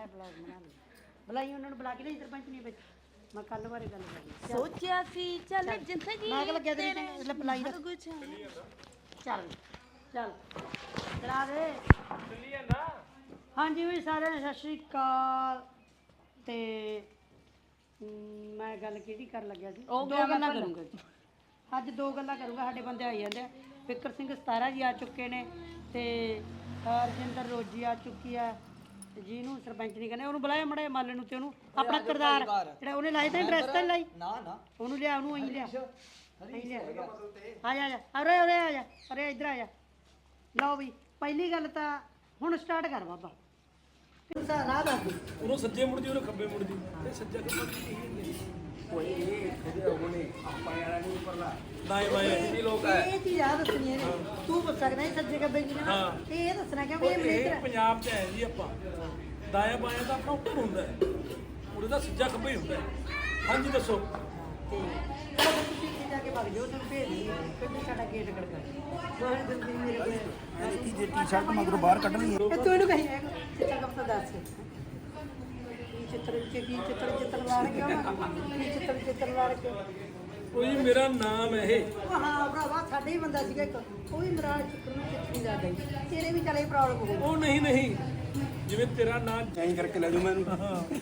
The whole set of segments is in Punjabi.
ਮੜਾ ਬਲੌਗ ਬਣਾ ਲਈ ਬੁਲਾਈ ਉਹਨਾਂ ਨੂੰ ਬੁਲਾ ਕੇ ਨਹੀਂ ਸਰਪੰਚ ਨਹੀਂ ਵਿੱਚ ਮੈਂ ਕੱਲ ਬਾਰੇ ਗੱਲ ਕਰਨੀ ਸੋਚਿਆ ਸੀ ਚੱਲ ਜ਼ਿੰਦਗੀ ਮੈਂ ਕਿ ਲੱਗਿਆ ਤੇਰੀ ਤੇ ਬੁਲਾਈ ਰੱਖ ਕੁਛ ਚੱਲ ਚੱਲ ਚਲਾ ਦੇ ਚੱਲੀ ਜਾਂਦਾ ਹਾਂਜੀ ਵੀ ਸਾਰਿਆਂ ਨੂੰ ਸਤਿ ਸ਼੍ਰੀ ਅਕਾਲ ਤੇ ਮੈਂ ਗੱਲ ਕਿਹੜੀ ਕਰਨ ਲੱਗਿਆ ਸੀ ਦੋ ਗੱਲਾਂ ਕਰੂੰਗਾ ਅੱਜ ਦੋ ਗੱਲਾਂ ਕਰੂੰਗਾ ਸਾਡੇ ਬੰਦੇ ਆਈ ਜਾਂਦੇ ਆ ਫਿਕਰ ਸਿੰਘ 17 ਜੀ ਆ ਚੁੱਕੇ ਨੇ ਤੇ ਰਜਿੰਦਰ ਰੋਜੀ ਆ ਚੁੱਕੀ ਆ ਤੇ ਜਿਹਨੂੰ ਸਰਪੰਚ ਨਹੀਂ ਕਹਿੰਦੇ ਉਹਨੂੰ ਬੁਲਾਇਆ ਮੜੇ ਮਾਲੇ ਨੂੰ ਤੇ ਉਹਨੂੰ ਆਪਣਾ ਕਿਰਦਾਰ ਜਿਹੜਾ ਉਹਨੇ ਲਾਇਆ ਤਾਂ ਡਰੈਸ ਤਾਂ ਲਾਈ ਨਾ ਨਾ ਉਹਨੂੰ ਲਿਆ ਉਹਨੂੰ ਅਹੀਂ ਲਿਆ ਅਹੀਂ ਲਿਆ ਆ ਜਾ ਅਰੇ ਅਰੇ ਆ ਜਾ ਅਰੇ ਇੱਧਰ ਆ ਜਾ ਲਓ ਵੀ ਪਹਿਲੀ ਗੱਲ ਤਾਂ ਹੁਣ ਸਟਾਰਟ ਕਰ ਬਾਬਾ ਰਾਹ ਦੱਸ ਦੇ ਉਹਨੂੰ ਸੱਜੇ ਮੁੜਦੀ ਉਹਨੂੰ ਖੱਬੇ ਮੁੜਦੀ ਇਹ ਸੱਜਾ ਖੱਬਾ ਕੀ ਕੋਈ ਇਹ ਉਹਨੇ ਆਪਾਂ ਯਾਰਾਂ ਨੂੰ ਉੱਪਰਲਾ ਦਾਏ ਬਾਏ ਇਹ ਲੋਕ ਹੈ ਇਹ ਚੀਜ਼ ਆ ਦੱਸਣੀ ਹੈ ਤੂੰ ਪੁੱਛ ਸਕਦਾ ਇਹ ਸੱਜੇ ਕੱਬੇ ਕੀ ਨਾ ਇਹ ਦੱਸਣਾ ਕਿਉਂਕਿ ਇਹ ਮੇਰੇ ਪੰਜਾਬ 'ਚ ਹੈ ਜੀ ਆਪਾਂ ਦਾਇਆ ਬਾਇਆ ਤਾਂ ਆਪਣਾ ਉੱਪਰ ਹੁੰਦਾ ਹੈ ਉਹਦਾ ਤਾਂ ਸੱਜਾ ਖੱਬਾ ਹੀ ਹੁੰਦਾ ਹੈ ਹਾਂਜੀ ਦੱਸੋ ਤੇ ਚਲੋ ਤੁਸੀਂ ਇੱਥੇ ਜਾ ਕੇ ਵਗ ਜਾਓ ਤੁਹਾਨੂੰ ਭੇਜ ਦਿੰਦੀ ਫਿਰ ਸਾਡਾ ਗੇਟ ਖੜਕਾ ਬਹੁਤ ਜਲਦੀ ਮੇਰੇ ਕੋਲ ਕੀ ਜੇ ਟੀ-ਸ਼ਰਟ ਮਗਰੋਂ ਬਾਹਰ ਕੱਢਣੀ ਹੈ ਤੂੰ ਇਹਨੂੰ ਕਹੀ ਚਿੱਤਰ ਕਪਤਾ ਦੱਸ ਚਿੱਤਰ ਵਾੜ ਕਿਉਂ ਚਿੱਤਰ ਵਾੜ ਕਿਉਂ ਉਹ ਜੀ ਮੇਰਾ ਨਾਮ ਹੈ ਇਹ ਹਾਂ ਭਰਾਵਾ ਸਾਡੇ ਹੀ ਬੰਦਾ ਸੀਗਾ ਇੱਕ ਉਹ ਵੀ ਮਰਾਲ ਚਿੱਤਰ ਨੂੰ ਕਿੱਥੇ ਨਹੀਂ ਜਾਂਦਾ ਤੇਰੇ ਵੀ ਚਲੇ ਪ੍ਰੋਬਲਮ ਹੋ ਗਈ ਉਹ ਨਹੀਂ ਜਿਵੇਂ ਤੇਰਾ ਨਾਮ ਚੇਂਜ ਕਰਕੇ ਲੈ ਜਾਊ ਮੈਨੂੰ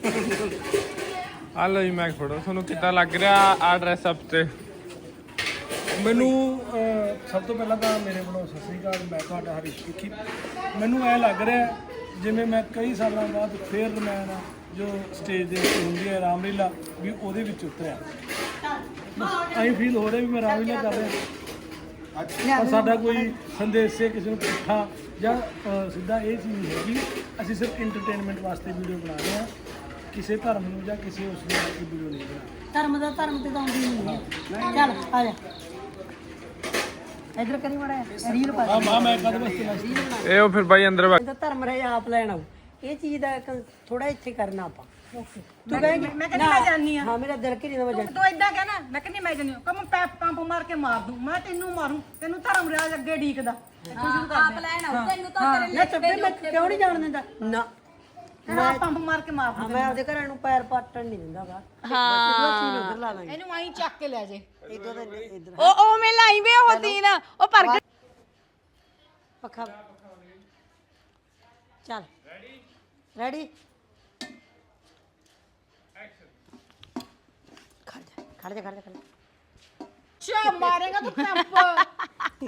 ਆ ਲਓ ਜੀ ਮੈਂ ਫੜੋ ਤੁਹਾਨੂੰ ਕਿੱਦਾਂ ਲੱਗ ਰਿਹਾ ਆ ਡਰੈਸ ਅਪ ਤੇ ਮੈਨੂੰ ਸਭ ਤੋਂ ਪਹਿਲਾਂ ਤਾਂ ਮੇਰੇ ਵੱਲੋਂ ਸਤਿ ਸ੍ਰੀ ਅਕਾਲ ਮੈਂ ਤੁਹਾਡਾ ਹਰੀਸ਼ ਸਿੱਖੀ ਮੈਨੂੰ ਐ ਲੱਗ ਰਿਹਾ ਜਿਵੇਂ ਮੈਂ ਕਈ ਸਾਲਾਂ ਬਾਅਦ ਫੇਰ ਮੈਂ ਜੋ ਸਟੇਜ ਦੇ ਉੱਤੇ ਹੁੰਦੀ ਹੈ ਰਾਮਲੀਲਾ ਵੀ ਉਹਦੇ ਵਿੱਚ ਉਤਰਿਆ ਐਂ ਫੀਲ ਹੋ ਰਿਹਾ ਵੀ ਮੈਂ ਰਾਮਲੀਲਾ ਕਰ ਰਿਹਾ ਪਰ ਸਾਡਾ ਕੋਈ ਸੰਦੇਸ਼ ਹੈ ਕਿਸੇ ਨੂੰ ਪੁੱਠਾ ਜਾਂ ਸਿੱਧਾ ਇਹ ਚੀਜ਼ ਹੈਗੀ ਅਸੀਂ ਸਿਰਫ ਐਂਟਰਟੇਨਮੈਂਟ ਵਾਸਤੇ ਵੀਡੀਓ ਬਣਾ ਰਹੇ ਹਾਂ ਕਿਸੇ ਧਰਮ ਨੂੰ ਜਾਂ ਕਿਸੇ ਉਸ ਨੂੰ ਕੋਈ ਵੀਡੀਓ ਨਹੀਂ ਬਣਾ ਧਰਮ ਤੇ ਤਾਂ ਆਉਂਦੀ ਨਹੀਂ ਚੱਲ ਆ ਜਾ ਇਧਰ ਕਰੀ ਮੜਾ ਰੀਲ ਪਾ ਹਾਂ ਮੈਂ ਕਦ ਵਾਸਤੇ ਇਹ ਉਹ ਫਿਰ ਬਾਈ ਅੰਦਰ ਇਹਦਾ ਧਰਮ ਰਹਿ ਆਪ ਲੈਣ ਆਉ ਇਹ ਚੀਜ਼ ਦਾ ਥੋੜਾ ਇੱਥੇ ਕਰਨਾ ਆਪਾਂ ਤੂੰ ਕਹੇਂਗੀ ਮੈਂ ਕਹਿੰਦੀ ਮੈਂ ਜਾਣੀ ਆ ਹਾਂ ਮੇਰਾ ਦਿਲ ਘਰੀ ਨਾ ਵਜਾ ਤੂੰ ਇਦਾਂ ਕਹਿਣਾ ਮੈਂ ਕਹਿੰਦੀ ਮੈਂ ਜਾਣੀ ਕਮ ਪੈਪ ਪੰਪ ਮਾਰ ਕੇ ਮਾਰ ਦੂੰ ਮੈਂ ਤੈਨੂੰ ਮਾਰੂ ਤੈਨੂੰ ਧਰਮ ਰਿਆਜ ਅੱਗੇ ਢੀਕਦਾ ਆਪ ਲੈਣ ਆਉ ਤੈਨੂੰ ਤਾਂ ਨਾ ਚੱਪੇ ਮੈਂ ਕਿਉਂ ਨਹੀਂ ਜਾਣ ਦਿੰਦਾ ਨਾ ਮੈਂ ਪੰਪ ਮਾਰ ਕੇ ਮਾਰ ਹਾਂ ਮੈਂ ਆਪਦੇ ਘਰਾਂ ਨੂੰ ਪੈਰ ਪਾਟਣ ਨਹੀਂ ਦਿੰਦਾ ਵਾ ਹਾਂ ਉਧਰ ਲਾ ਦਾਂਗੇ ਇਹਨੂੰ ਆਈ ਚੱਕ ਕੇ ਲੈ ਜੇ ਇਧਰ ਇਧਰ ਉਹ ਮੈਂ ਲਾਈ ਵੇ ਉਹ ਤੀਨ ਉਹ ਪਰ ਪੱਖਾ ਚੱਲ ਰੈਡੀ ਖੜ ਜਾ ਚਾ ਮਾਰੇਗਾ ਤੂੰ ਪੰਪ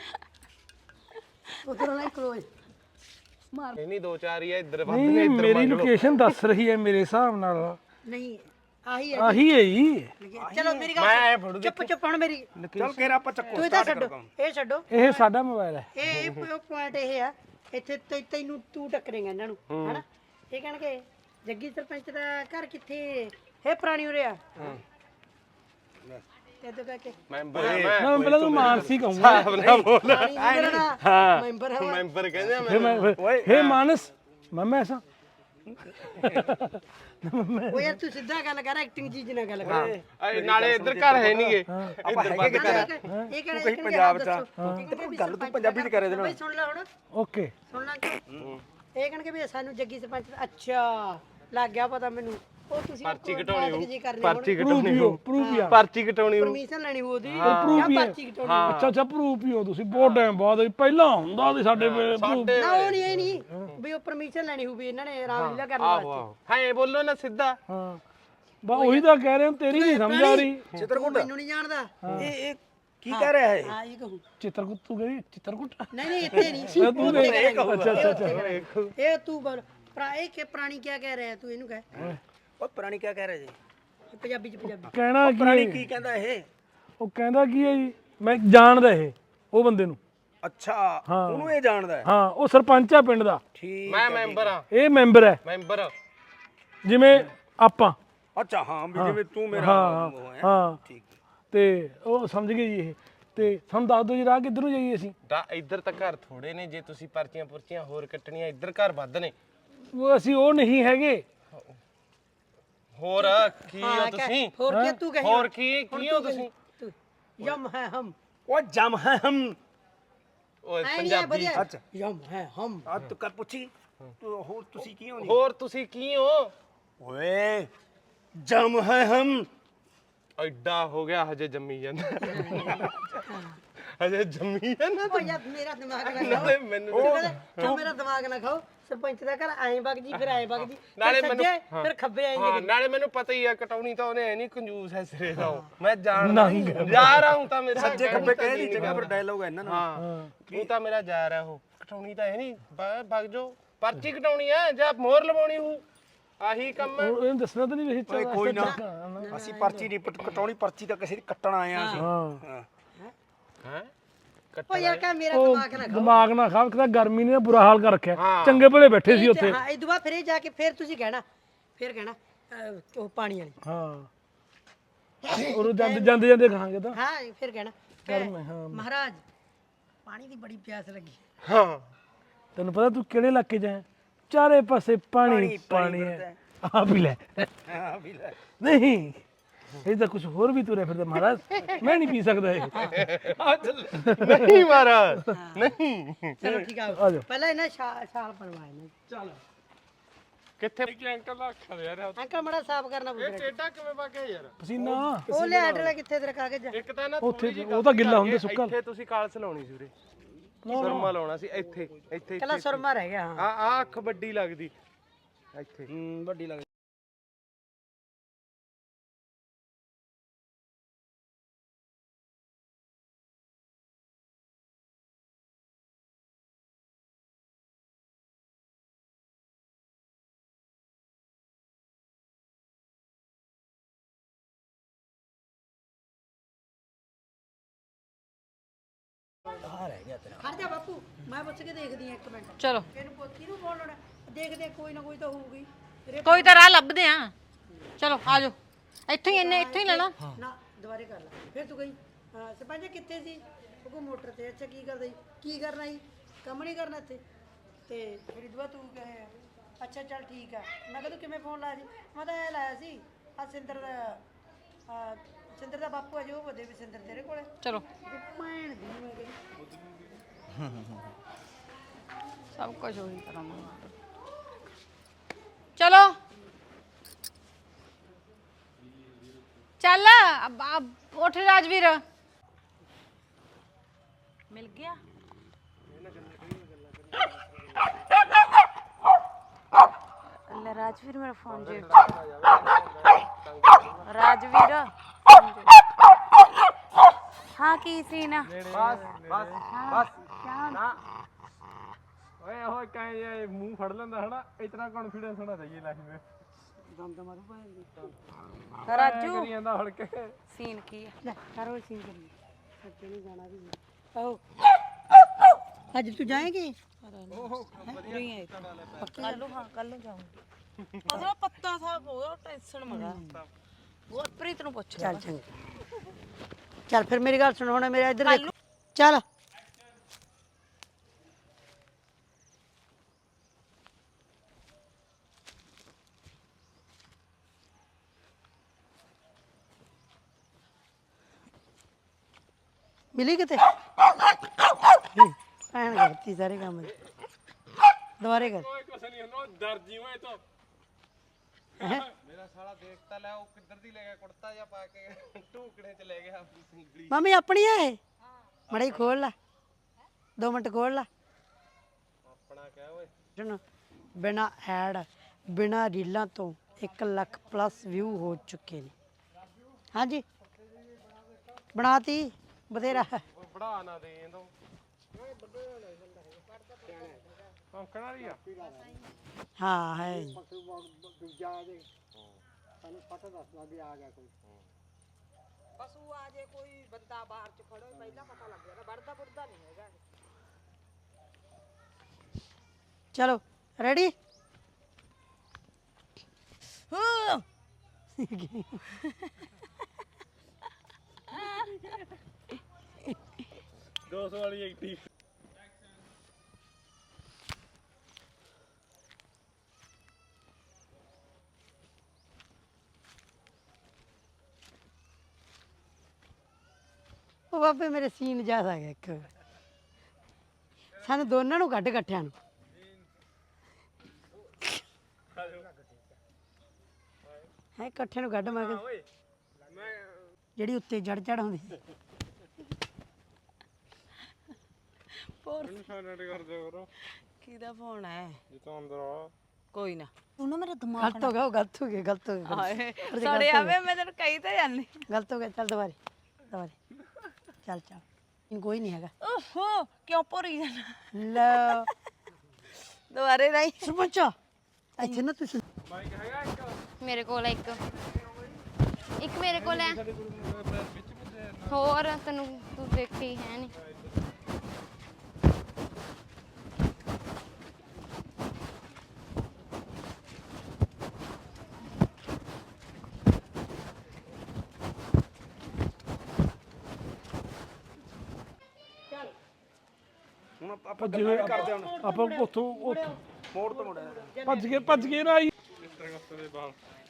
ਉਧਰ ਨਾ ਕਲੋਜ਼ ਇਹ ਨਹੀਂ ਦੋ ਚਾਰ ਹੀ ਆ ਇੱਧਰ ਵੱਧ ਨਹੀਂ ਮੇਰੀ ਲੋਕੇਸ਼ਨ ਦੱਸ ਰਹੀ ਹੈ ਮੇਰੇ ਹਿਸਾਬ ਨਾਲ ਨਹੀਂ ਆਹੀ ਹੈ ਆਹੀ ਹੈ ਜੀ ਚਲੋ ਮੇਰੀ ਗੱਲ ਚੁੱਪ ਹੁਣ ਮੇਰੀ ਚੱਲ ਫੇਰ ਆਪਾਂ ਚੱਕੋ ਤੂੰ ਇਹ ਤਾਂ ਛੱਡੋ ਇਹ ਛੱਡੋ ਇਹ ਸਾਡਾ ਮੋਬਾਈਲ ਹੈ ਇਹ ਪੁਆਇੰਟ ਇਹ ਆ ਇੱਥੇ ਤੈਨੂੰ ਤੂੰ ਟੱਕਰੇਗਾ ਇਹਨਾਂ ਨੂੰ ਹਨਾ ਇਹ ਕਹਿਣਗੇ ਜੱਗੀ ਸਰਪੰਚ ਦਾ ਘਰ ਕਿੱਥੇ ਇਹ ਪੁਰਾਣੀ ਉਰੇ ਆ ਤੇ ਤੂੰ ਕਹਿ ਕੇ ਮੈਂਬਰ ਨਾ ਪਹਿਲਾਂ ਤੂੰ ਮਾਨਸੀ ਕਹੂੰਗਾ ਹਾਂ ਮੈਂਬਰ ਹੈ ਮੈਂਬਰ ਕਹਿੰਦੇ ਫਿਰ ਮੈਂ ਹੇ ਮਾਨਸ ਮੈਂ ਐਸਾ ਉਹ ਯਾਰ ਤੂੰ ਸਿੱਧਾ ਗੱਲ ਕਰ ਐਕਟਿੰਗ ਚੀਜ਼ ਨਾਲ ਗੱਲ ਕਰ ਨਾਲੇ ਇੱਧਰ ਘਰ ਹੈ ਨਹੀਂਗੇ ਆਪਾਂ ਹੈਗੇ ਕਿੱਥੇ ਇਹ ਤੂੰ ਕਹੀਂ ਪੰਜਾਬ ਚ ਗੱਲ ਤੂੰ ਪੰਜਾਬੀ ਚ ਕਰੇ ਦੇ ਨਾਲ ਸੁਣ ਲੈ ਹੁਣ ਓਕੇ ਸੁਣ ਲੈ ਇਹ ਕਹਿਣਗੇ ਵੀ ਸਾਨੂੰ ਜੱਗੀ ਸਰਪੰਚ ਅੱਛਾ ਲੱਗ ਗਿਆ ਪਤਾ ਮੈਨੂੰ ਉਹ ਤੁਸੀਂ ਪਰਚੀ ਕਟਾਉਣੀ ਹੋਊ ਪਰਚੀ ਪਰਚੀ ਕਟਾਉਣੀ ਹੋਊ ਪਰਚੀ ਕਟਾਉਣੀ ਹੋਊ ਪਰਮਿਸ਼ਨ ਲੈਣੀ ਉਹਦੀ ਪ੍ਰੂਫ ਹੀ ਪਰਚੀ ਕਟਾਉਣੀ ਅੱਛਾ ਪ੍ਰੂਫ ਹੀ ਹੋ ਤੁਸੀਂ ਬਹੁਤ ਟਾਈਮ ਬਾਅਦ ਪਹਿਲਾਂ ਹੁੰਦਾ ਸੀ ਸਾਡੇ ਵੇਲੇ proof। ਨਾ ਉਹ ਨਹੀਂ ਇਹ ਨਹੀਂ ਵੀ ਉਹ ਪਰਮਿਸ਼ਨ ਲੈਣੀ ਹੋਊ ਵੀ ਇਹਨਾਂ ਨੇ ਰਾਮਲੀਲਾ ਕਰਨ ਵਾਸਤੇ ਹਾਂ ਬੋਲੋ ਨਾ ਸਿੱਧਾ ਹਾਂ ਬਾ ਉਹੀ ਤਾਂ ਕਹਿ ਰਹੇ ਹਾਂ ਤੇਰੀ ਨਹੀਂ ਸਮਝ ਆ ਰਹੀ ਚਿੱਤਰਕੂਟ ਮੈਨੂੰ ਨਹੀਂ ਜਾਣਦਾ ਇਹ ਕੀ ਕਹਿ ਰਿਹਾ ਹੈ ਹਾਂ ਇਹ ਕਹੂੰ ਚਿੱਤਰਕੂਟ ਤੂੰ ਕਹਿੰਦੀ ਚਿੱਤਰਕੂਟ ਨਹੀਂ ਇੱਥੇ ਨਹੀਂ ਤੂੰ ਅੱਛਾ ਇਹ ਤੂੰ ਬੋਲ ਇਹ ਕਿ ਪ੍ਰਾਣੀ ਕੀ ਕਹਿ ਰਿਹਾ ਤੂੰ ਇਹਨੂੰ ਕਹਿ ਉਹ ਪੁਰਾਣੀ ਕੀ ਕਹਿ ਰਿਹਾ ਜੀ ਪੰਜਾਬੀ ਕਹਿਣਾ ਕੀ ਪੁਰਾਣੀ ਕੀ ਕਹਿੰਦਾ ਇਹ ਉਹ ਕਹਿੰਦਾ ਕੀ ਹੈ ਜੀ ਮੈਂ ਜਾਣਦਾ ਇਹ ਉਹ ਬੰਦੇ ਨੂੰ ਅੱਛਾ ਉਹਨੂੰ ਇਹ ਜਾਣਦਾ ਹੈ ਹਾਂ ਉਹ ਸਰਪੰਚ ਆ ਪਿੰਡ ਦਾ ਠੀਕ ਮੈਂ ਮੈਂਬਰ ਆ ਇਹ ਮੈਂਬਰ ਹੈ ਮੈਂਬਰ ਜਿਵੇਂ ਆਪਾਂ ਅੱਛਾ ਹਾਂ ਵੀ ਜਿਵੇਂ ਤੂੰ ਮੇਰਾ ਉਹ ਹੈ ਹਾਂ ਠੀਕ ਤੇ ਉਹ ਸਮਝ ਗਏ ਜੀ ਇਹ ਤੇ ਸਾਨੂੰ ਦੱਸ ਦਿਓ ਜੀ ਰਾਹ ਕਿੱਧਰ ਨੂੰ ਜਾਈਏ ਅਸੀਂ ਇੱਧਰ ਤਾਂ ਘਰ ਥੋੜੇ ਨੇ ਜੇ ਤੁਸੀਂ ਪਰਚੀਆਂ ਹੋਰ ਕੱਟਣੀਆਂ ਇੱਧਰ ਘਰ ਵੱਧ ਨੇ ਉਹ ਅਸੀਂ ਉਹ ਨਹੀਂ ਹੈਗੇ ਹੋਰ ਕੀ ਹੋ ਤੁਸੀਂ ਹੋਰ ਕੀ ਤੂੰ ਕਹੀ ਹੋਰ ਕੀ ਹੋ ਤੁਸੀਂ ਯਮ ਹੈ ਹਮ ਉਹ ਜਮ ਹੈ ਹਮ ਓਏ ਐ ਨਹੀਂ ਪੰਜਾਬੀ ਵਧੀਆ ਅੱਛਾ ਯਮ ਹੈ ਹਮ ਆ ਤੂੰ ਕਰ ਪੁੱਛੀ ਹੋਰ ਤੁਸੀਂ ਕੀ ਹੋ ਹੋਰ ਤੁਸੀਂ ਕੀ ਹੋ? ਓਏ ਜਮ ਹੈ ਹਮ ਐਡਾ ਹੋ ਗਿਆ ਹਜੇ ਜੰਮੀ ਜਾਂਦਾ ਹਜੇ ਜੰਮੀ ਜਾਂਦਾ ਓ ਯਾਰ ਮੇਰਾ ਦਿਮਾਗ ਨਾ ਨਾਲੇ ਮੈਨੂੰ ਖਾਓ ਮੇਰਾ ਦਿਮਾਗ ਨਾ ਖਾਓ ਸਰਪੰਚ ਦਾ ਘਰ ਐਂ ਵਗ ਜੀ ਫਿਰ ਐਂ ਵਗ ਜੀ ਨਾਲੇ ਫਿਰ ਮੈਨੂੰ- ਸੱਜੇ ਫਿਰ ਖੱਬੇ ਆਏਂਗੇ ਹਾਂ ਨਾਲੇ ਮੈਨੂੰ ਪਤਾ ਹੀ ਆ ਕਟਾਉਣੀ ਤਾਂ ਉਹਨੇ ਨਹੀਂ ਕੰਜੂਸ ਹੈ ਸਿਰੇ ਦਾ ਮੈਂ ਜਾਣਦਾ ਜਾ ਰਹਾ ਹੂੰ ਤਾਂ ਮੇਰਾ ਸੱਜੇ ਖੱਬੇ ਕਹੇ ਦੀ ਜਗ੍ਹਾ ਪਰ ਡਾਇਲੋਗ ਹੈ ਇਹਨਾਂ ਨਾਲ ਹਾਂ ਤੂੰ ਤਾਂ ਮੇਰਾ ਜਾ ਰਿਹਾ ਹੋ ਕਟਾਉਣੀ ਤਾਂ ਹੈ ਨਹੀਂ ਭਗ ਜੋ ਪਰਚੀ ਕਟਾਉਣੀ ਹੈ ਜਾਂ ਮੋਹਰ ਲਵਾਉਣੀ ਹੂੰ ਆਹੀ ਕੰਮ ਹੈ ਇਹਨੂੰ ਦੱਸਣਾ ਤਾਂ ਨਹੀਂ ਵੇਖ ਓਏ ਕੋਈ ਨਾ ਅਸੀਂ ਪਰਚੀ ਨਹੀਂ ਕਟਾਉਣੀ ਪਰਚੀ ਤਾਂ ਕਿਸੇ ਦੀ ਕੱਟਣ ਆਏ ਆ ਅਸੀਂ ਹਾਂ ਹੈ ਓ ਯਾਰ ਕਹ ਮੇਰਾ ਦਿਮਾਗ ਨਾ ਖਾਓ ਦਿਮਾਗ ਨਾ ਖਾ ਕਿਤਾ ਗਰਮੀ ਨੇ ਬੁਰਾ ਹਾਲ ਕਰ ਰੱਖਿਆ ਚੰਗੇ ਭਲੇ ਬੈਠੇ ਸੀ ਉੱਥੇ ਹਾਂ ਇਹ ਦੁਆ ਫਿਰ ਇਹ ਜਾ ਕੇ ਫਿਰ ਤੁਸੀਂ ਕਹਿਣਾ ਉਹ ਪਾਣੀ ਵਾਲੀ ਉਹ ਜਾਂਦੇ ਜਾਂਦੇ ਜਾਂਦੇ ਖਾਂਗੇ ਤਾਂ ਹਾਂ ਫਿਰ ਕਹਿਣਾ ਮਹਾਰਾਜ ਪਾਣੀ ਦੀ ਬੜੀ ਪਿਆਸ ਲੱਗੀ ਹਾਂ ਤੈਨੂੰ ਪਤਾ ਤੂੰ ਕਿਹੜੇ ਇਲਾਕੇ 'ਚ ਹੈ ਚਾਰੇ ਪਾਸੇ ਪਾਣੀ ਪਾਣੀ ਹੈ ਆ ਵੀ ਲੈ ਹਾਂ ਵੀ ਲੈ ਨਹੀਂ ਇਹ ਤਾਂ ਕੁਝ ਹੋਰ ਵੀ ਤੁਰੇ ਫਿਰਦੇ ਮਹਾਰਾਜ ਮੈਂ ਨਹੀਂ ਪੀ ਸਕਦਾ ਇਹ ਨਹੀਂ ਮਹਾਰਾਜ ਨਹੀਂ ਚਲੋ ਠੀਕ ਆ ਆ ਜਾਓ ਪਹਿਲਾਂ ਇਹਨਾਂ ਛਾਲ ਬਣਵਾਏ ਨੇ ਚੱਲ ਕਿੱਥੇ ਅੰਕਲ ਦਾ ਅੱਖਾਂ ਯਾਰ ਅੰਕਲ ਮੜਾ ਸਾਫ਼ ਕਰਨਾ ਇਹ ਪੁੱਛ ਟੇਡਾ ਕਿਵੇਂ ਵਗਿਆ ਯਾਰ ਪਸੀਨਾ ਉਹ ਲੈ ਆਡਰ ਕਿੱਥੇ ਤੇਰਾ ਕਾਗਜ਼ ਇੱਕ ਤਾਂ ਨਾ ਉੱਥੇ ਥੋੜ੍ਹੀ ਜਿਹੀ ਉਹ ਤਾਂ ਗਿੱਲਾ ਹੁੰਦਾ ਸੁੱਕਾ ਇੱਥੇ ਤੁਸੀਂ ਕਾਲਸ ਲਾਉਣੀ ਸੀ ਉਰੇ ਸੁਰਮਾ ਲਾਉਣਾ ਸੀ ਇੱਥੇ ਇੱਥੇ ਕੱਲਾ ਸੁਰਮਾ ਰਹਿ ਗਿਆ ਹਾਂ ਆ ਅੱਖ ਵੱਡੀ ਲੱਗਦੀ ਇੱਥੇ ਵੱਡੀ ਲੱਗ ਖੜ ਜਾ ਬਾਪੂ ਮੈਂ ਪੁੱਛ ਕੇ ਦੇਖਦੀ ਆ ਇੱਕ ਮਿੰਟ ਚਲੋ ਇਹਨੂੰ ਪੋਤੀ ਨੂੰ ਬੋਲਣਾ ਦੇਖਦੇ ਕੋਈ ਨਾ ਕੋਈ ਤਾਂ ਹੋਊਗੀ ਕੋਈ ਤਾਂ ਰਾਹ ਲੱਭਦੇ ਆ ਚਲੋ ਆ ਜਾਓ ਇੱਥੋਂ ਹੀ ਇੱਥੋਂ ਹੀ ਲੈਣਾ ਨਾ ਦੁਬਾਰੇ ਕਰ ਲੈ ਫਿਰ ਤੂੰ ਗਈ ਸਰਪੰਚ ਕਿੱਥੇ ਸੀ ਉਹ ਕੋ ਮੋਟਰ ਤੇ ਅੱਛਾ ਕੀ ਕਰਦਾ ਸੀ ਕੀ ਕਰਨਾ ਸੀ ਕੰਮ ਨਹੀਂ ਕਰਨਾ ਇੱਥੇ ਤੇ ਫਿਰ ਦੁਆ ਤੂੰ ਕਹੇ ਅੱਛਾ ਚੱਲ ਠੀਕ ਆ ਮੈਂ ਕਿਹਾ ਤੂੰ ਕਿਵੇਂ ਫੋਨ ਲਾਇਆ ਸੀ ਮੈਂ ਤਾਂ ਇਹ ਲਾਇਆ ਸੀ ਆ ਸਿੰਦਰ ਦਾ ਬਾਪੂ ਆ ਜੋ ਉਹਦੇ ਵੀ ਸਿੰਦਰ ਤੇਰੇ ਕੋਲੇ ਚਲੋ ਭੈਣ ਦੀ ਮੈਂ ਕਹਿੰਦੀ ਸਭ ਕੁਝ ਉਹੀ ਕਰਾਂਗੇ ਚਲੋ ਚੱਲ ਉੱਠ ਰਾਜਵੀਰ ਮਿਲ ਗਿਆ ਲੈ ਰਾਜਵੀਰ ਮੇਰਾ ਫੋਨ ਜੇ ਰਾਜਵੀਰ ਹਾਂ ਕੀ ਸੀਨ ਆ ਬਸ ਨਾ ਓਏ ਉਹ ਕਹੇ ਮੂੰਹ ਫੜ ਲੈਂਦਾ ਹਨਾ ਇਤਨਾ ਕੌਨਫੀਡੈਂਸ ਹੋਣਾ ਚਾਹੀਏ ਲਾਈਫ ਵਿੱਚ ਰਾਜੂ ਕਰੀ ਜਾਂਦਾ ਹੜ ਕੇ ਸੀਨ ਕੀ ਆ ਲੈ ਕਰੋ ਸੀਨ ਕਰੀ ਸੱਚੇ ਨਹੀਂ ਜਾਣਾ ਵੀ ਆਓ ਅੱਜ ਤੂੰ ਜਾਏਂਗੀ ਕੱਲ ਨੂੰ ਜਾਊਂਗੀ ਅਸਲ ਪੱਤਾ ਸਾਹਿਬ ਹੋ ਗਿਆ ਟੈਨਸ਼ਨ ਮਗਾ ਗੁਰਪ੍ਰੀਤ ਨੂੰ ਪੁੱਛ ਚੱਲ ਚੰਗਾ ਚੱਲ ਫਿਰ ਮੇਰੀ ਗੱਲ ਸੁਣ ਹੁਣ ਮੇਰਾ ਇੱਧਰ ਦੇਖ ਚੱਲ ਮਿਲੀ ਕਿਤੇ ਭੈਣ ਕਰਤੀ ਸਾਰੇ ਕੰਮ ਦੁਬਾਰੇ ਕਰ ਓਏ ਕੁਛ ਨਹੀਂ ਹੁੰਦਾ ਡਰ ਜੀ ਓਏ ਤੋਂ ਮੇਰਾ ਸਾਲਾ ਦੇਖ ਤਾਂ ਲੈ ਉਹ ਕਿੱਧਰ ਦੀ ਲੈ ਗਿਆ ਕੁੜਤਾ ਜਾਂ ਪਾ ਕੇ ਢੂਕੜੇ ਚ ਲੈ ਗਿਆ ਆਪਣੀ ਸਿੰਗਲੀ ਮੰਮੀ ਆਪਣੀ ਆ ਇਹ ਮੜਾ ਖੋਲ ਲਾ 2 ਮਿੰਟ ਖੋਲ ਲਾ ਆਪਣਾ ਕਹਿ ਓਏ ਸੁਣ ਬਿਨਾ ਐਡ ਬਿਨਾ ਰੀਲਾਂ ਤੋਂ 1 ਲੱਖ ਪਲੱਸ ਵਿਊ ਹੋ ਚੁੱਕੇ ਨੇ ਹਾਂਜੀ ਬਣਾਤੀ ਬਥੇਰਾ ਓਏ ਬੜਾ ਨਾ ਦੇ ਇਹਦੋਂ ਔਂਕਣਾ ਰਹੀ ਆ ਹਾਂ ਹੈ ਪਸ਼ੂ ਆ ਜੇ ਕੋਈ ਬੰਦਾ ਬਾਹਰ ਚ ਖੜੋ ਪਹਿਲਾਂ ਪਤਾ ਲੱਗ ਜਾਣਾ ਵੜਦਾ ਵੜਦਾ ਨਹੀਂ ਹੈਗਾ ਚਲੋ ਰੈਡੀ ਵਾਲੀ ਐਕਟਿਵ ਉਹ ਬਾਬੇ ਮੇਰੇ ਸੀਨ ਜ਼ਿਆਦਾ ਆ ਗਿਆ ਇੱਕ ਸਾਨੂੰ ਦੋਨਾਂ ਨੂੰ ਕੱਢ ਇਕੱਠਿਆਂ ਨੂੰ ਹੈ ਇਕੱਠੇ ਨੂੰ ਕੱਢ ਮੈਂ ਕਿਹਾ ਓਏ ਮੈਂ ਜਿਹੜੀ ਉੱਤੇ ਜੜ ਹੁੰਦੀ ਮੈਨੂੰ ਸਾਈਲੈਂਟ ਕਰ ਦਿਓ ਕਰੋ ਕਿਹਦਾ ਫੋਨ ਹੈ ਜਿੱਥੋਂ ਅੰਦਰ ਆ ਕੋਈ ਨਾ ਤੂੰ ਨਾ ਮੇਰਾ ਦਿਮਾਗ ਗਲਤ ਹੋ ਗਿਆ ਉਹ ਗਲਤ ਹੋ ਗਿਆ ਗਲਤ ਹੋ ਗਿਆ ਹਾਏ ਸੜੇ ਆਵੇ ਮੈਂ ਤੈਨੂੰ ਕਹੀ ਤਾਂ ਜਾਂਦੀ ਗਲਤ ਹੋ ਗਿਆ ਚੱਲ ਦੁਬਾਰੇ ਚੱਲ ਚੱਲ ਕੋਈ ਨਹੀਂ ਹੈਗਾ ਓਹੋ ਕਿਉਂ ਭੋਰੀ ਜਾਣਾ ਲੈ ਦੁਬਾਰੇ ਨਹੀਂ ਸਰਪੰਚ ਇੱਥੇ ਨਾ ਤੁਸੀਂ ਮਾਈਕ ਹੈਗਾ ਇੱਕ ਮੇਰੇ ਕੋਲ ਇੱਕ ਮੇਰੇ ਕੋਲ ਹੈ ਹੋਰ ਤੈਨੂੰ ਤੂੰ ਦੇਖੀ ਹੈ ਨਹੀਂ ਹੁਣ ਆਪਾਂ ਗੱਲਾਂ ਵੀ ਕਰਦੇ ਹੁਣ ਆਪਾਂ ਉੱਥੋਂ ਮੋੜ ਤੋਂ ਮੁੜਿਆ ਭੱਜ ਗਏ ਨਾ ਆਈ ਦੇ ਬਾਲ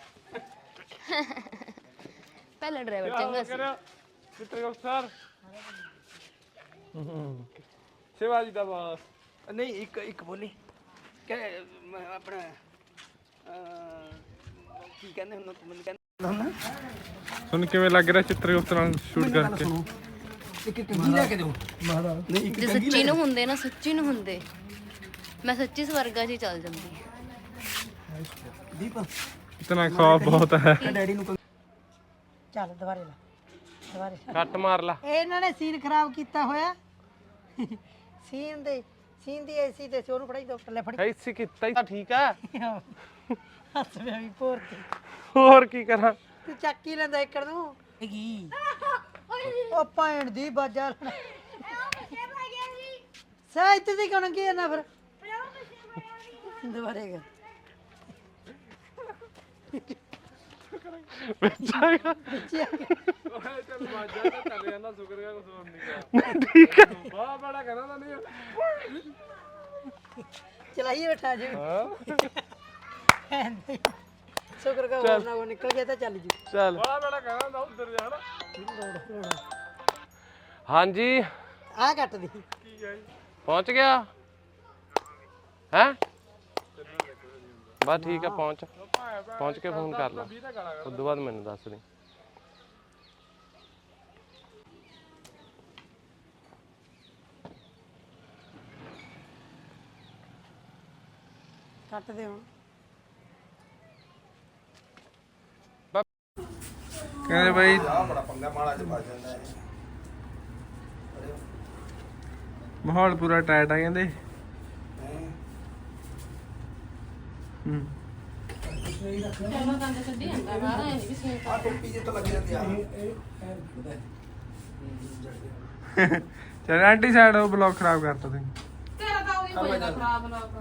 ਪਹਿਲਾ ਡਰਾਈਵਰ ਚੰਗਾ ਸੀ ਚਿੱਤਰਗੁਪਤ ਸਰ ਸ਼ਿਵਾਜੀ ਦਾ ਬਾਸ ਨਹੀਂ ਇੱਕ ਬੋਲੀ ਕਿ ਆਪਣਾ ਕੀ ਕਹਿੰਦੇ ਹੁਣ ਮੈਨੂੰ ਕਹਿੰਦੇ ਤੁਹਾਨੂੰ ਕਿਵੇਂ ਲੱਗ ਰਿਹਾ ਚਿੱਤਰਗੁਪਤ ਨਾਲ ਸ਼ੂਟ ਕਰਕੇ ਇੱਕ ਕੰਗੀ ਲੈ ਕੇ ਦਿਓ ਨਹੀਂ ਇੱਕ ਜੇ ਸੱਚੀ ਨੂੰ ਹੁੰਦੇ ਨਾ ਸੱਚੀ ਨੂੰ ਹੁੰਦੇ ਮੈਂ ਸੱਚੀ ਸਵਰਗਾ 'ਚ ਹੀ ਚੱਲ ਜਾਂਦੀ ਦੀਪ ਇਤਨਾ ਖੌਫ ਬਹੁਤ ਹੈ ਡੈਡੀ ਨੂੰ ਚੱਲ ਦੁਬਾਰੇ ਲਾ ਦੁਬਾਰੇ ਕੱਟ ਮਾਰ ਲਾ ਇਹਨਾਂ ਨੇ ਸੀਨ ਖਰਾਬ ਕੀਤਾ ਹੋਇਆ ਸੀਨ ਦੀ ਐਸੀ ਤੇ ਉਹਨੂੰ ਫੜਾਈ ਦੋ ਲੈ ਫੜੀ ਐਸੀ ਕੀਤਾ ਹੀ ਠੀਕ ਆ ਹੱਸ ਪਿਆ ਵੀ ਪੋਰ ਤੇ ਹੋਰ ਕੀ ਕਰਾਂ ਤੂੰ ਚੱਕ ਹੀ ਲੈਂਦਾ ਏਕੜ ਨੂੰ ਕੀ ਉਹ ਪੈਣ ਦੀ ਬਾਜਾ ਸਾ ਇੱਥੇ ਦੀ ਕਣ ਕੀ ਨਾ ਫਿਰ ਦੁਬਾਰੇ ਕਰ ਬੱਚਾ ਬੱਚੇ ਆ ਗਏ। ਓਏ ਚੱਲ ਬਾਜਾ ਤਾਂ ਚੱਲ ਜਾਂਦਾ ਸ਼ੁਕਰ ਕਰ ਕੁਝ ਹੋਰ ਨਹੀਂ ਕਰ ਠੀਕ ਹੈ ਬਾਹ ਬੜਾ ਕਹਿੰਦਾ ਤਾਂ ਨਹੀਂ ਚਲਾਈਏ ਬੈਠਾ ਜੀ ਹਾਂ ਸ਼ੁਕਰ ਕਰ ਹੋਰ ਨਾ ਉਹ ਨਿਕਲ ਗਿਆ ਤਾਂ ਚੱਲ ਜੀ ਚੱਲ ਬਾਹ ਬੜਾ ਕਹਿੰਦਾ ਤਾਂ ਉਧਰ ਜਾਣਾ ਹਾਂਜੀ ਆ ਕੱਟ ਦੀ ਕੀ ਹੈ ਪਹੁੰਚ ਗਿਆ ਹੈ ਬਸ ਠੀਕ ਆ ਪਹੁੰਚ ਕੇ ਫੋਨ ਕਰ ਲਾ ਉਸ ਤੋਂ ਬਾਅਦ ਮੈਨੂੰ ਦੱਸ ਦੇ ਕੱਟ ਦੇ ਹੁਣ ਕਹਿੰਦੇ ਬਾਈ ਬੜਾ ਪੰਗਾ ਮਾਲਾ ਚ ਫਸ ਜਾਂਦਾ ਹੈ ਮਾਹੌਲ ਪੂਰਾ ਟਾਈਟ ਆ ਕਹਿੰਦੇ ਹੂੰ ਆ ਟੋਪੀ ਜੇ ਤਾਂ ਲੱਗ ਜਾਂਦੀ ਆ ਚਲ ਆਂਟੀ ਸਾਈਡ ਉਹ ਬਲੌਗ ਖਰਾਬ ਕਰਤਾ ਤੁਸੀਂ ਤੇਰਾ ਤਾਂ ਉਹੀ ਹੋ ਜਾਂਦਾ ਖਰਾਬ ਲੋਕ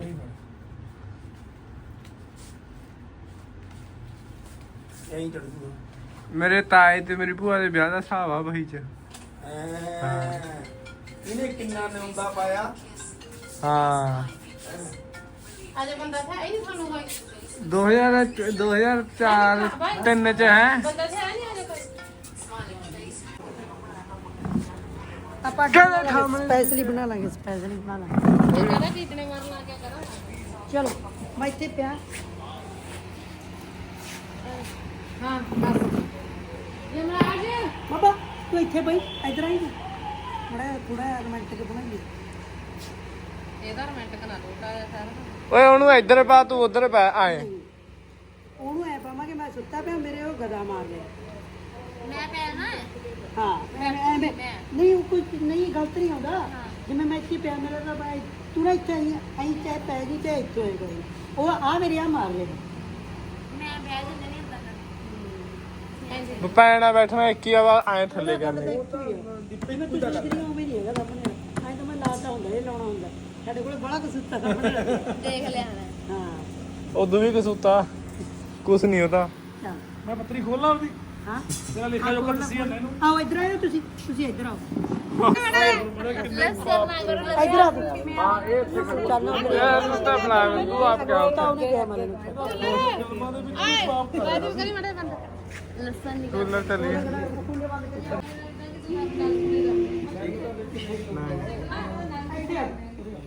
ਐਂ ਚੜ ਜੂਗਾ ਮੇਰੇ ਤਾਏ ਤੇ ਮੇਰੀ ਭੂਆ ਦੇ ਵਿਆਹ ਦਾ ਹਿਸਾਬ ਆ ਬਹੀ ਚ ਇਹਨੇ ਕਿੰਨਾ ਨਿਉਂਦਾ ਪਾਇਆ ਹਾਂ ਅਜੇ ਬੰਦਾ ਥਾ ਇਹ ਨਹੀਂ ਸਾਨੂੰ ਕੋਈ 2004 3 ਚ ਹੈ ਬੰਦਾ ਥਾ ਨਹੀਂ ਅਜੇ ਕੋਈ ਆਪਾਂ ਸਪੈਸ਼ਲੀ ਬਣਾ ਲਾਂਗੇ ਸਪੈਸ਼ਲੀ ਬਣਾ ਲਾਂਗੇ ਇਹ ਕਹਿੰਦਾ ਟੀਟਨੇ ਮਾਰਨ ਲੱਗ ਗਿਆ ਕਰਾਂ ਚਲੋ ਮੈਂ ਇੱਥੇ ਪਿਆ ਹਾਂ ਬਸ ਯਮਰਾਜ ਬਾਬਾ ਤੂੰ ਇੱਥੇ ਬਈ ਇਧਰ ਆਈ ਥੋੜਾ ਰੋਮਾਂਟਿਕ ਬਣਾਈਏ ਇਹਦਾ ਰੋਮਾਂਟਿਕ ਨਾ ਲੋਟਾ ਆ ਸਾਰਾ ਓਏ ਉਹਨੂੰ ਇੱਧਰ ਪਾ ਤੂੰ ਉਧਰ ਪਾ ਆਏ ਉਹਨੂੰ ਐ ਪਾਵਾਂਗੇ ਮੈਂ ਸੁੱਤਾ ਪਿਆ ਮੇਰੇ ਉਹ ਗਦਾ ਮਾਰ ਲਿਆ ਮੈਂ ਪੈਣਾ ਹਾਂ ਐਵੇਂ ਨਹੀਂ ਉਹ ਕੁਝ ਨਹੀਂ ਗਲਤ ਨਹੀਂ ਆਉਂਦਾ ਜਿਵੇਂ ਮੈਂ ਇੱਥੇ ਪਿਆ ਮੇਰਾ ਤਾਂ ਬਾਈ ਤੂੰ ਨਾ ਇੱਥੇ ਆਈ ਚਾਹੇ ਪੈ ਗਈ ਤੇ ਇੱਥੇ ਹੋਏ ਕੋਈ ਉਹ ਆ ਮੇਰੇ ਆ ਮਾਰ ਲਿਆ ਮੈਂ ਬਹਿ ਜਾਂਦੇ ਨਹੀਂ ਹੁੰਦਾ ਪੈਣਾ ਬੈਠਣਾ ਇੱਕ ਹੀ ਆ ਐ ਥੱਲੇ ਕਰਨੇ ਉਵੇਂ ਨਹੀਂ ਹੈਗਾ ਸਾਹਮਣੇ ਐਂ ਤਾਂ ਮੈਂ ਲਾਤਾ ਹੁੰਦਾ ਇਹ ਲਾਉਣਾ ਹੁੰਦਾ ਸਾਡੇ ਕੋਲ ਬੜਾ ਕੁ ਸੁੱਤਾ ਸਾਹਮਣੇ ਦੇਖ ਲਿਆ ਮੈਂ ਹਾਂ ਉਦੋਂ ਵੀ ਕਸੂਤਾ ਕੁਛ ਨਹੀਂ ਉਹਦਾ ਚੱਲ ਮੈਂ ਪੱਤਰੀ ਖੋਲਾਂ ਉਹਦੀ ਹਾਂ ਤੇਰਾ ਲਿਖਾ ਜੋ ਕਰ ਸੀ ਮੈਨੂੰ ਆਓ ਇੱਧਰ ਆਇਓ ਤੁਸੀਂ ਇੱਧਰ ਆਓ ਲਸਣ ਨਾ ਕਰੋ ਇੱਧਰ ਆ ਤੂੰ ਹਾਂ ਇਹ ਚੱਲ ਤਾਂ ਬਣਾ ਤੂੰ ਆਪ ਕਿਆ ਤਾਂ ਉਹਨੇ ਕਿਹਾ ਮੈਨੂੰ ਬਾਜੂ ਕਰੀ ਮੜੇ ਬੰਦਾ ਲਸਣ ਨਹੀਂ ਕੂਲਰ ਚੱਲੀ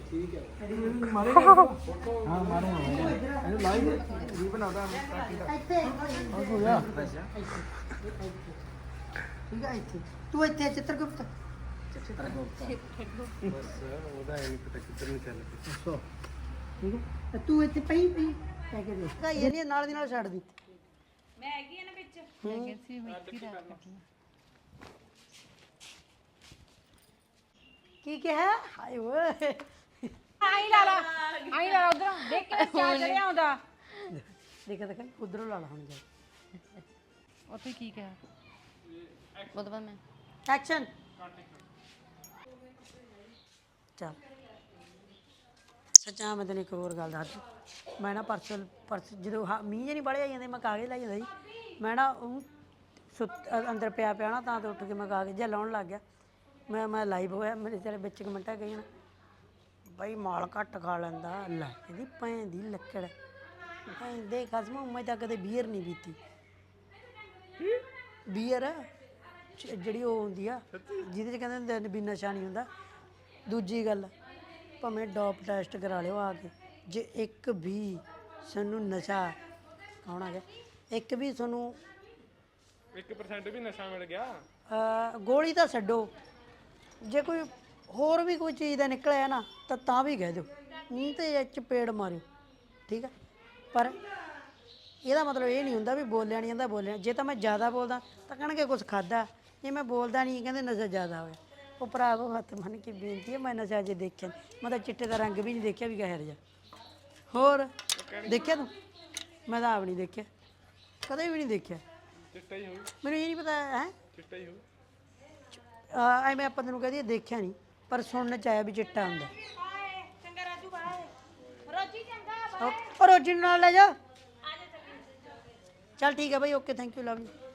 ਠੀਕ ਹੈ ਮਾਰੇਗਾ ਹਾਂ ਮਾਰੂੰਗਾ ਇਹਨੂੰ ਲਾਈਵ ਵੀ ਬਣਾਉਂਦਾ ਇੱਥੇ ਹੋ ਗਿਆ ਠੀਕ ਹੈ ਇੱਥੇ ਤੂੰ ਇੱਥੇ ਚਿੱਤਰਗੁਪਤ ਉਹਦਾ ਇਹ ਪਤਾ ਕਿੱਧਰ ਨੂੰ ਚੱਲ ਪਿਆ ਠੀਕ ਹੈ ਤੇ ਤੂੰ ਇੱਥੇ ਪਈ ਕਹਿ ਕੇ ਦੇਖ ਇਹ ਨਹੀਂ ਨਾਲ ਦੀ ਨਾਲ ਛੱਡ ਦਿੱਤੀ ਮੈਂ ਹੈਗੀ ਆ ਨਾ ਵਿੱਚ ਕੀ ਕਿਹਾ ਹਾਏ ਓਏ ਆਈ ਲਾ ਉਧਰ ਦੇਖ ਕੇ ਚਾਹ ਚੜਿਆ ਆਉਂਦਾ ਦੇਖ ਉਧਰੋਂ ਲਾ ਲਾ ਹੁਣ ਜਾ ਉੱਥੇ ਕੀ ਕਿਹਾ ਉਹਦੇ ਬਾਅਦ ਮੈਂ ਐਕਸ਼ਨ ਚੱਲ ਸੱਚਾ ਮੈਂ ਤੈਨੂੰ ਇੱਕ ਹੋਰ ਗੱਲ ਦੱਸ ਮੈਂ ਨਾ ਪਰਸ ਜਦੋਂ ਮੀਂਹ ਜੇ ਨਹੀਂ ਬੜੇ ਆਈ ਜਾਂਦੇ ਮੈਂ ਕਾਗਜ਼ ਲੈ ਜਾਂਦਾ ਸੀ ਮੈਂ ਨਾ ਉਹ ਅੰਦਰ ਪਿਆ ਨਾ ਤਾਂ ਤੇ ਉੱਠ ਕੇ ਮੈਂ ਕਾਗਜ਼ ਜਿਹਾ ਲਾਉਣ ਲੱਗ ਗਿਆ ਮੈਂ ਲਾਈਵ ਹੋਇਆ ਮੇਰੇ ਤੇਰੇ ਵਿੱਚ ਕਮੈਂਟਾਂ ਗਈਆਂ ਬਈ ਮਾਲ ਘੱਟ ਖਾ ਲੈਂਦਾ ਲੈ ਇਹਦੀ ਭੈਣ ਦੀ ਲੱਕੜ ਭੈਣ ਦੇ ਖਸਮ ਮੈਂ ਤਾਂ ਕਦੇ ਬੀਅਰ ਨਹੀਂ ਪੀਤੀ ਬੀਅਰ ਜਿਹੜੀ ਉਹ ਹੁੰਦੀ ਆ ਜਿਹਦੇ 'ਚ ਕਹਿੰਦੇ ਹੁੰਦੇ ਵੀ ਨਸ਼ਾ ਨਹੀਂ ਹੁੰਦਾ ਦੂਜੀ ਗੱਲ ਭਾਵੇਂ ਡੋਪ ਟੈਸਟ ਕਰਾ ਲਿਓ ਆ ਕੇ ਜੇ ਇੱਕ ਵੀ ਸਾਨੂੰ ਨਸ਼ਾ ਕੌਣ ਆ ਗਿਆ ਇੱਕ ਵੀ ਤੁਹਾਨੂੰ 1% ਵੀ ਨਸ਼ਾ ਮਿਲ ਗਿਆ ਗੋਲੀ ਤਾਂ ਛੱਡੋ ਜੇ ਕੋਈ ਹੋਰ ਵੀ ਕੋਈ ਚੀਜ਼ ਦਾ ਨਿਕਲਿਆ ਨਾ ਤਾਂ ਵੀ ਕਹਿ ਦਿਓ ਮੂੰਹ ਤੇ ਚਪੇੜ ਮਾਰਿਓ ਠੀਕ ਆ ਪਰ ਇਹਦਾ ਮਤਲਬ ਇਹ ਨਹੀਂ ਹੁੰਦਾ ਵੀ ਬੋਲਿਆ ਨਹੀਂ ਜਾਂਦਾ ਬੋਲਿਆ ਜੇ ਤਾਂ ਮੈਂ ਜ਼ਿਆਦਾ ਬੋਲਦਾ ਤਾਂ ਕਹਿਣਗੇ ਕੁਝ ਖਾਦਾ ਜੇ ਮੈਂ ਬੋਲਦਾ ਨਹੀਂ ਕਹਿੰਦੇ ਨਸ਼ਾ ਜ਼ਿਆਦਾ ਹੋਇਆ ਉਹ ਭਰਾਵੋ ਹੱਥ ਮੰਨ ਕੇ ਬੇਨਤੀ ਹੈ ਮੈਂ ਨਸ਼ਾ ਜੇ ਦੇਖਿਆ ਮੈਂ ਤਾਂ ਚਿੱਟੇ ਦਾ ਰੰਗ ਵੀ ਨਹੀਂ ਦੇਖਿਆ ਵੀ ਕਹਿ ਰਿਹਾ ਹੋਰ ਦੇਖਿਆ ਤੂੰ ਮੈਂ ਤਾਂ ਆਪ ਨਹੀਂ ਦੇਖਿਆ ਕਦੇ ਵੀ ਨਹੀਂ ਦੇਖਿਆ ਚਿੱਟਾ ਹੀ ਹੋਊ ਮੈਨੂੰ ਇਹ ਨਹੀਂ ਪਤਾ ਹੈ ਚਿੱਟਾ ਹੀ ਹੋਊ ਐਵੇਂ ਆਪਾਂ ਤੈਨੂੰ ਕਹਦੀ ਦੇਖਿਆ ਨਹੀਂ ਪਰ ਸੁਣਨ ਚ ਆਇਆ ਵੀ ਚਿੱਟਾ ਹੁੰਦਾ ਚੰਗਾ ਰਾਜੂ ਬਾਏ ਰੋਜੀ ਚੰਗਾ ਉਹ ਰੋਜੀ ਨੂੰ ਨਾਲ ਲੈ ਜਾ ਚੱਲ ਠੀਕ ਹੈ ਭਾਈ okay thank you love you